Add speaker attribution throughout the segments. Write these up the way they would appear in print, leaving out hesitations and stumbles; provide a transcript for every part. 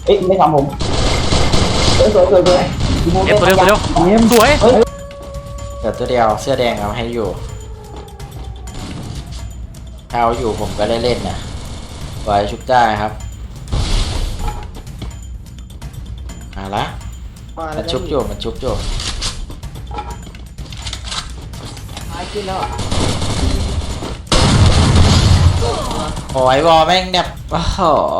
Speaker 1: เอ้ยไม่ทำผมสวยสวย
Speaker 2: เก็บตัวเร็วตัวเร็วสวย
Speaker 3: เดี๋ยวตัวเดียวเสื้อแดงเอาให้อยู่ถ้าเอาอยู่ผมก็เล่นนะปล่อยชุบได้ครับมาละมันชุบอยู่มันชุบอยู่
Speaker 1: ตายขึ้นแล้ว
Speaker 3: โอ้ยวอแม่งเนี่ยโอ้โห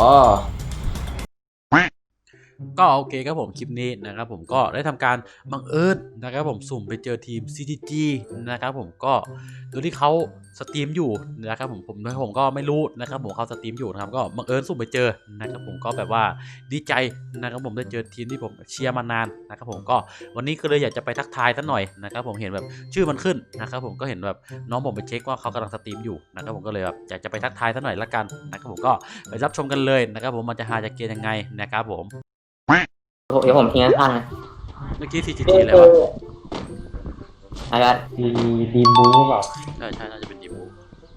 Speaker 2: ก็โอเคครับผมคลิปนี้นะครับผมก็ได้ทำการบังเอิญนะครับผมสุ่มไปเจอทีม CTG นะครับผมก็โดยที่เขาสตรีมอยู่นะครับผมก็ไม่รู้นะครับผมเขาสตรีมอยู่นะครับก็บังเอิญสุ่มไปเจอนะครับผมก็แบบว่าดีใจนะครับผมได้เจอทีมที่ผมเชียร์มานานนะครับผมก็วันนี้ก็เลยอยากจะไปทักทายสักหน่อยนะครับผมเห็นแบบชื่อมันขึ้นนะครับผมก็เห็นแบบน้องผมไปเช็คว่าเขากำลังสตรีมอยู่นะครับผมก็เลยแบบอยากจะไปทักทายสักหน่อยละกันนะครับผมก็ไปรับชมกันเลยนะครับผมมันจะหาจากเกมยังไงนะครับผม
Speaker 1: เดี๋ยวผมทิ้งข้างนะ
Speaker 2: เมื่อกี้ CTG แล้ววะ
Speaker 1: อะไรกัน
Speaker 4: ดีบูเปล่า
Speaker 2: ใช่น่าจะเป็นดีบู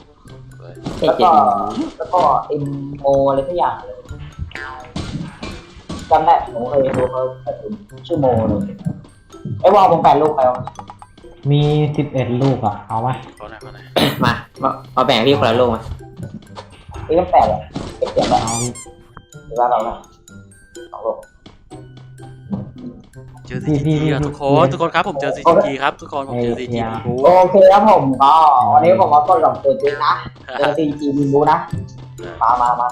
Speaker 1: แล้วก็เอ็มโออะไรทุกอย่างเลยจำได้ผมเคยดูเขาชื่อโมเลยไอ้ว่าผม8 ลูกไปวะ
Speaker 4: มี11 ลูกอ่ะเอาไหม
Speaker 2: เขาไหน
Speaker 1: มาเอาแบ่งพี่คนละลูกมาพี่ต้อง8เลยเก็บเสียงแบบเอาหรือว่าเราละ2 ลูก
Speaker 2: เจอ CTG ทุกคนครับผมเจอ CTG ครับทุกคนผมเจอ CTG บู
Speaker 1: โอเคครับผมก็วันนี้ผมมาต้นหลงตัวจริงนะเจอ CTG บูนะมา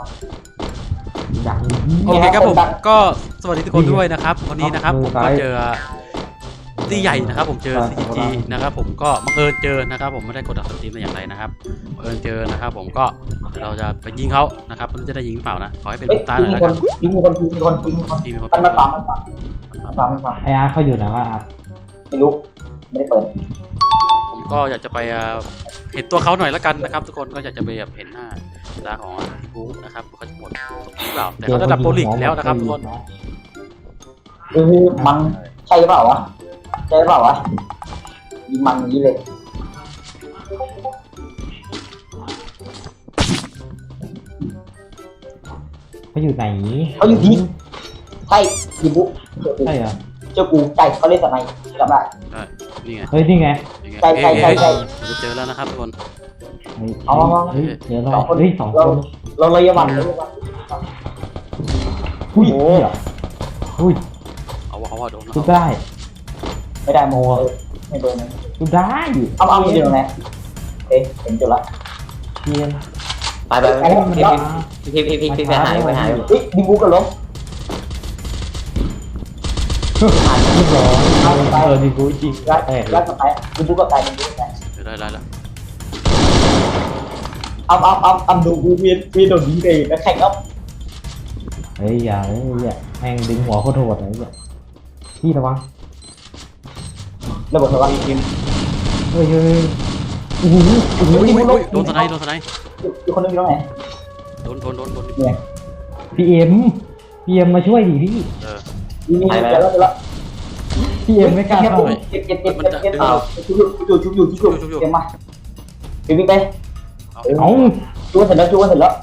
Speaker 2: โอเคครับผมก็สวัสดีทุกคนด้วยนะครับวันนี้นะครับผมก็เจอที่ใหญ่นะครับผมเจอ CTG นะครับผมก็บังเอิญเจอนะครับผมไม่ได้กดดันสตรีมอย่างไรนะครับบังเอิญเจอนะครับผมก็เราจะไปยิงเขานะครับมันจะได้ยิงเปล่านะขอให้เป็นลูกตาหน่อยนะครับ
Speaker 1: มีคนมันมาฟัง
Speaker 4: ไออาร์เขาอยู่ไหนวะอาร์
Speaker 1: ไม่รู้ไม่ได้เปิด
Speaker 2: ผมก็อยากจะไปเห็นตัวเขาหน่อยละกันนะครับทุกคนก็อยากจะไปเห็นหน้าตาของบู๊นะครับเขาจะหมดหรือเปล่าแต่เขาจะดับโปรลิกแล้วนะครับทุกคน
Speaker 1: มันใช่เปล่าวะยิงมันอย่างนี้เลย
Speaker 4: เขาอยู่ไหน
Speaker 1: เขาอยู่ที่ใช่ยิงบุ๊
Speaker 4: ใช่เหรอ
Speaker 1: เจ้ากูใจเขาเล่นสไนจำได้
Speaker 2: นี่ไง
Speaker 4: เฮ้ยนี่ไง
Speaker 1: ใจ
Speaker 2: ผมจะเจอแล้วนะครับทุกคน
Speaker 1: เอา
Speaker 4: เดี๋ยวเราเฮ้ย2 คน
Speaker 1: เราเลยวัน
Speaker 4: อุ้ย
Speaker 2: เอาโดน
Speaker 4: ทุบได้
Speaker 1: ไม่ได้โมไม่โดน
Speaker 4: ทุบได้
Speaker 1: เอาอยู่ตรงไหนเอ๊ะเห็นจุดละ
Speaker 4: เทียน
Speaker 1: ไปพี่ไปหาดิบูกันล้ม
Speaker 4: ที่2ดีบูจริง
Speaker 1: แล้วก็ไปดิบูก็ตายดิบูก็ตาย
Speaker 2: ได้แล้ว
Speaker 1: เอาดูกูเวียนโดนยิงเลยแล้วแข่งครับ
Speaker 4: เฮ้ยอย่าแม่งดึงหัวโคตรโหดเลยเนี่ยพี่ระวัง
Speaker 1: ระเบิดระวังทีม
Speaker 4: เฮ้ย
Speaker 2: โดนสไนด์
Speaker 1: อีกคนนึงอยู่ตรงไหน
Speaker 2: โดน
Speaker 4: เนี่ยพีเอ็มมาช่วยดิพี่
Speaker 1: ไปแล้ว
Speaker 4: พีเอ็มไม่กล้าเข้า
Speaker 1: เก็บชุบเก็บมาวิ่งไป
Speaker 4: เอา
Speaker 1: จูนเสร็จแล้ว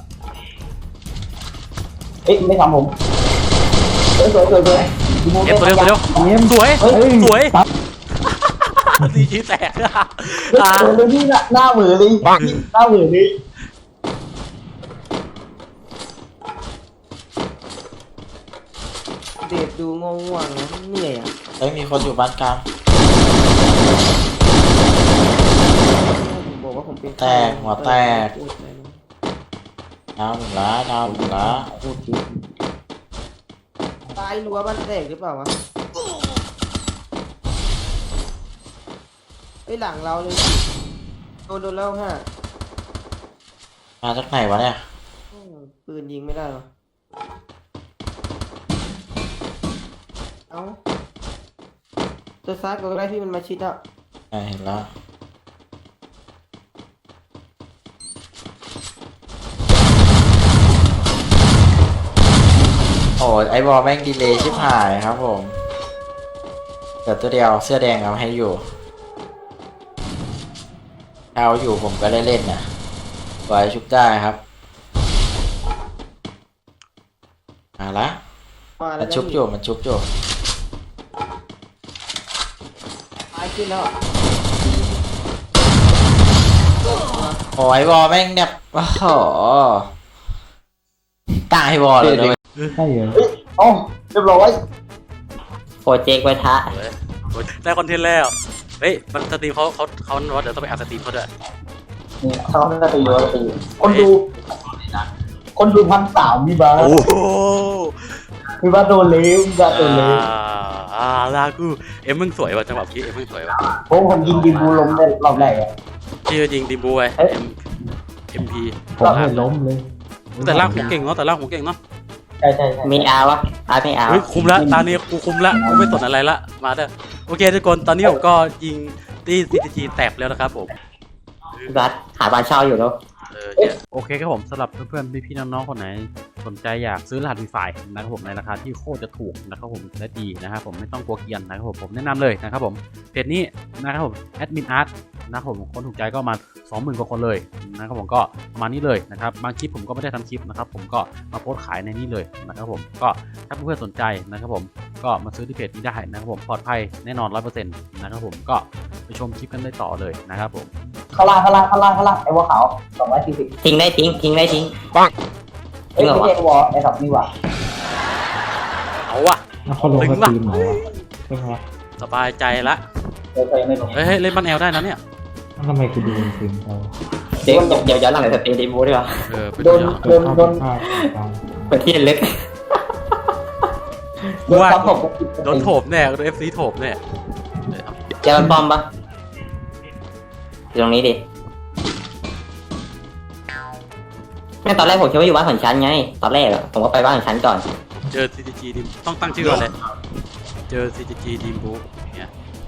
Speaker 1: เอ๊ะไม่ทำผมสวย
Speaker 2: เก็บตัวเร็วสวยดีจีแตก
Speaker 1: เลยนี่หน้าเหมือเลย
Speaker 5: เดดดูง่วงเหนื่อยอ่ะ
Speaker 3: เฮ้ยมีคนอยู่บ้านกลาง
Speaker 5: บอกว่าผมเป็น
Speaker 3: แตกหัวแตกดาวหละ
Speaker 5: ตายรั้วบ้านแตกหรือเปล่าวะไอ้หลังเราเลยโดนแล้ว5
Speaker 3: มาจากไหนวะเนี่ย
Speaker 5: ปืนยิงไม่ได้หรอเอาตัวซ้ายก็ได้ที่มันมาชิดอ่ะ
Speaker 3: เห็นแล้วโอ้ไอบอลแม่งดีเลยชิบหายครับผมเดี๋ยวตัวเดียวเสื้อแดงเอาให้อยู่เอาอยู่ผมก็เล่นนะปล่อยชุบได้ครับมาละ
Speaker 5: มาแล้
Speaker 3: มั
Speaker 5: วน
Speaker 3: ชุบอยู่มันชุบอยู่
Speaker 5: ตายขึ้นแล้ว
Speaker 3: โอ้ยวอลแม่งเนี่ยโอ้โหตายวอลเลย
Speaker 4: ใช่เหรอ
Speaker 1: โอ้เรียบร้อยโปรเจกต์ไว้ทะ
Speaker 2: โอ้ยได้คอนเทนต์แล้วเฮ้ยมันสตรีมเขาว่าเดี๋ยวต้องไปอัดสตรีมเขาด้วย
Speaker 1: นี่เขาน่าจะอยู่ตีคนดู1,300มีบ้า
Speaker 2: โอ้โห
Speaker 1: มีบ้าโดนเลี้ยวมีบ้าโดนเลี้ยว
Speaker 2: ลากูเอ็มมึงสวยว่ะจังหวะพี่เอ็มมึงสวยว่ะ
Speaker 1: ผมยิงดิบูลงได้รอบแรกอะ
Speaker 2: พี่ยิงดิบูไว้เอ็มพี
Speaker 4: ผมไม่ล้มเลย
Speaker 2: แต่ล่างหัวเก่งเนาะแต่ล่างหัวเก่งเนาะ
Speaker 1: ใช่มีอาวะไม่อา
Speaker 2: เฮ้ยคุมละตานี้กูคุมละกูไม่สนอะไรละมาเด้อโอเคทุกคนตอนนี้ผมก็ยิงตีCTGแตกแล้วนะครับผม
Speaker 1: บัสหาบ้านเช่าอยู่แล้ว
Speaker 2: โอเคครับผมสำหรับเพื่อนๆพี่ๆน้องๆคนไหนสนใจอยากซื้อรหัส Wi-Fi นะครับผมในราคาที่โคตรจะถูกนะครับผมและดีนะครับผมไม่ต้องกลัวเกรียนนะครับผมแนะนำเลยนะครับผมเพจนี้นะครับผมแอดมินอาร์ตนะครับผมคนถูกใจก็มา 20,000 กว่าคนเลยนะครับผมก็ประมาณนี้เลยนะครับบางคลิปผมก็ไม่ได้ทำคลิปนะครับผมก็มาโพสต์ขายในนี้เลยนะครับผมก็ถ้าเพื่อนๆสนใจนะครับผมก็มาซื้อที่เพจนี้ได้นะครับผมปลอดภัยแน่นอน 100% นะครับผมก็ไปชมคลิปกันได้ต่อเลยนะครับผม
Speaker 1: ข้างล่างไอ้วัวขาว240ทิ้งได้ทิ้งปังไม่ใช่วอไอ้สับนี่ว่ะ
Speaker 2: เอาว่ะ
Speaker 4: แล้วเขาลงสตรีมเหรอวะใช่ไหมวะ
Speaker 2: สบายใจละ
Speaker 1: เคยไม่ลง
Speaker 2: เฮ้ยเล่นบ้านแอลได้นะเนี่ย
Speaker 4: แล้วทำไมกูดูสตรีมเขา
Speaker 1: เดี๋ยวย้อนหลังเลยสตรีมดีบูดีกว่า
Speaker 2: ไปดูเดี๋ยว
Speaker 4: เปิดเข้าภาพกลาง
Speaker 1: เปิดที่ลึก
Speaker 2: ว่าโดนโถมแน่โดน FC โถมแน่
Speaker 1: เจอปอมปะอยู่ตรงนี้ดิแม่ตอนแรกผมคิดว่าอยู่บ้านของฉันไงตอนแรกผมก็ไปบ้านของฉันก่อน
Speaker 2: เจอ CTG ดิมต้องตั้งชื่อก่อนเลยเจอ CTG ดิมบูเนี่ย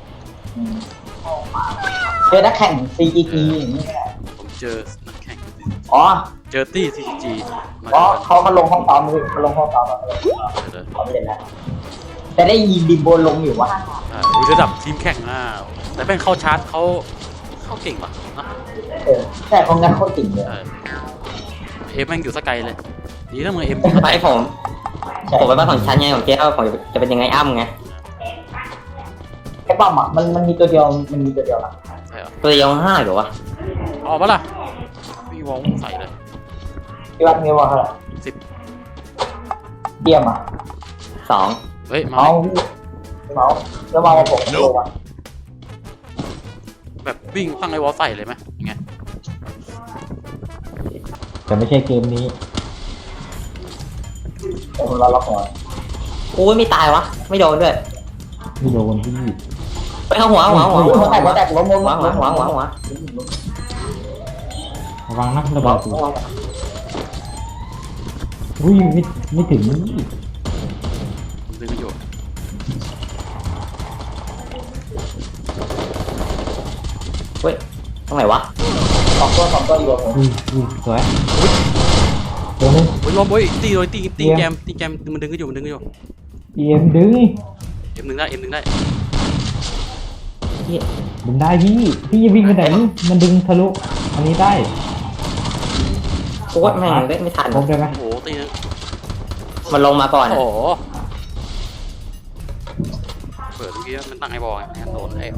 Speaker 1: เจอนักแข่ง CGG อย่างนี้
Speaker 2: ผมเจอนักแข่ง
Speaker 1: อ๋อ
Speaker 2: เจอตี้ CTG มา
Speaker 1: เพราะเขาลงห้องซ้อมเขาลงห้องซ้อมเขาไม่เล่นแล้วแต่ได้ยิงดิมโบลงอยู่ว่า
Speaker 2: ระดับทีมแข่งแต่เป็นเข้าชาร์จเขาเก่งว่ะนะ
Speaker 1: แต่เขางัดเขาติ่งเลย
Speaker 2: เอ็มแม่งอยู่สกายเลยดีถ้ามือเอ็ม
Speaker 1: ไปผมไปบ้านของฉันไงผมคิดว่าผมจะเป็นยังไงอ้ำไงไอ้ป้อมอ่ะมันมีตัวเดียวนะ
Speaker 2: ใช่เหรอ
Speaker 1: ตัวเดียว5หรือวะ
Speaker 2: เอาปะล่ะมีวอลใส่เลย
Speaker 1: ที่วัดมีว่าเท่าไหร่
Speaker 2: 10
Speaker 1: เดียมอ่ะ2
Speaker 2: เฮ้ยมา
Speaker 1: แล้วมาผมโลอ่ะ
Speaker 2: แบบวิ่งตั้งไอ้วอลใส่เลยไหมยังไง
Speaker 4: แต่ไม่ใช่เกมนี้
Speaker 1: ผมรอล็อกหัวโอ้ยไม่ตายวะไม่โดนด้วย
Speaker 4: ไม่โดนที่
Speaker 1: ไปเข้าหัวแตกล้มหัว
Speaker 4: ระวังนะระเบิดตัวอุ้ยไม่ถึงนี่
Speaker 2: ดึงไม่อยู่
Speaker 1: เฮ้ยตรงไหนวะ2 ตัวอยู่
Speaker 4: อุ้ยสวยตัวนึง
Speaker 2: โอ้ยล้มโอ้ยตีเลยตีแกมมันดึงก็อยู่
Speaker 4: EM ดึง
Speaker 2: M1 ได้
Speaker 4: ดึงได้พี่วิ่งไปไหนมันดึงทะลุอันนี้ได้
Speaker 1: โคตรแม่งไม่ทัน
Speaker 4: พบได้ไหม
Speaker 2: โอ้โหตีนึง
Speaker 1: มันลงมาก่อน
Speaker 2: โอ้โหเปิดเมื่อกี้มันตั้งไอ้บอลไงโดนไอ้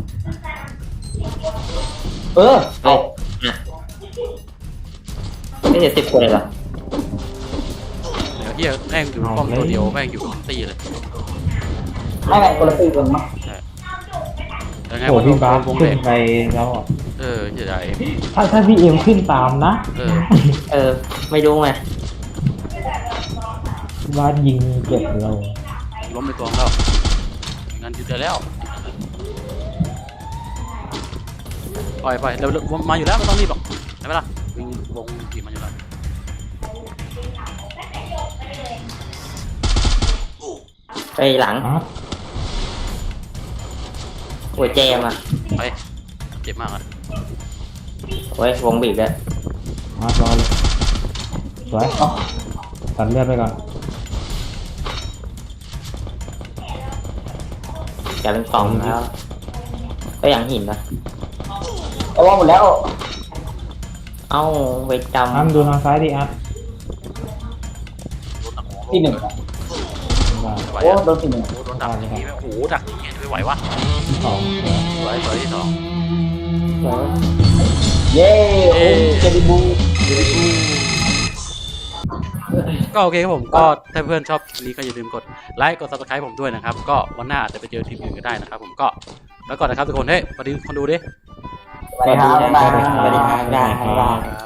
Speaker 1: ไม่ใช่10 คนเลยเหรอ
Speaker 2: เดี๋ยวแม่งอยู่ป้อมตัวเดียวแม่งอยู่ตีเลย
Speaker 1: ไม่คนละตีกันมั้ง
Speaker 2: ยังไง
Speaker 4: โอ้
Speaker 2: วะ
Speaker 4: พี่บาส
Speaker 2: วง
Speaker 4: ขึ้
Speaker 2: เล็
Speaker 4: น
Speaker 2: ก
Speaker 4: ไปแล้วอ่ะ
Speaker 2: เสียดาย
Speaker 4: ถ้าพี่เอ็มขึ้นตามนะ
Speaker 1: ไม่รู้ไง
Speaker 4: พี่บาสยิงเจ็บเรา
Speaker 2: ล้มไปตัวแล้วงั้นยืดแล้วปล่อยเรามาอยู่แล้วไม่ต้องรีบหรอกใช่ไหมล่ะวิ่งวงทีมาอยู่แล้ว
Speaker 1: ไปหลัง
Speaker 4: อ่ะ
Speaker 1: โอ้ยเจมอ่ะ
Speaker 2: ไปเจ็บมากอ่ะ
Speaker 1: โอ้ยวงบีบเลย
Speaker 4: มารอเลยสวยตัดเลือดไปก่อน
Speaker 1: จะเป็นกล่องแล้วก็อย่างหินนะแต่ว่าหมดแล้วเอ้าไปจำ
Speaker 4: ดูทางซ้ายดิอัด
Speaker 1: ที่ 1
Speaker 2: ไม่ไหว
Speaker 1: โอ้
Speaker 2: อะ
Speaker 1: โดนสิ่งหนึ่ง
Speaker 2: โอ้โดนดักอย่างนี้โอ้โหดักอย่างนี้ไม่ไหววะ
Speaker 4: ที่สองเหรอ
Speaker 2: สวยสวยที่สอง
Speaker 5: สวย
Speaker 1: เย้โอ้เจดีบู
Speaker 2: ก็โอเคครับผมก็ถ้าเพื่อนชอบคลิปนี้ก็อย่าลืมกดไลค์กด subscribe ผมด้วยนะครับก็วันหน้าอาจจะไปเจอทีมอื่นก็ได้นะครับผมก็แล้วก่อนนะครับทุกคนเฮ้ยสวัสดีคนดูดิ
Speaker 1: สวัสดีครับสวัสดีครับ